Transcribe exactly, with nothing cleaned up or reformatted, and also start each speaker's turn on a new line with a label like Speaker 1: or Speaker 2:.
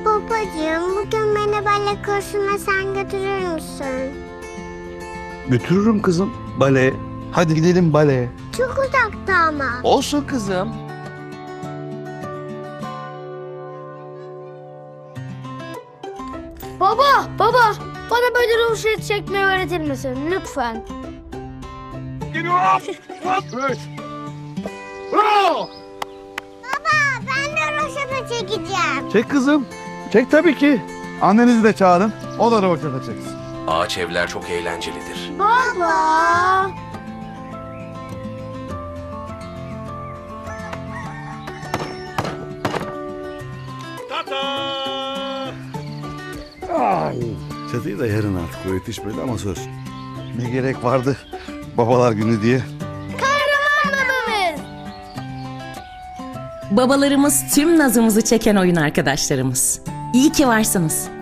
Speaker 1: Babacığım, bugün beni bale kursuna sen götürür müsün?
Speaker 2: Götürürüm kızım baleye. Hadi gidelim baleye.
Speaker 1: Çok uzakta ama.
Speaker 2: Olsun kızım.
Speaker 3: Baba, baba, bana böyle ruhsat çekmeyi öğretir misin lütfen?
Speaker 1: Baba, ben de roşata çekeceğim.
Speaker 2: Çek kızım. Çek tabii ki.
Speaker 4: Annenizi de çağırın. O da roboşata çeksin.
Speaker 5: Ağaç evler çok eğlencelidir.
Speaker 3: Baba.
Speaker 4: Çatıyı da yarın artık o yetişmedi ama söz. Ne gerek vardı babalar günü diye.
Speaker 6: Babalarımız tüm nazımızı çeken oyun arkadaşlarımız. İyi ki varsınız.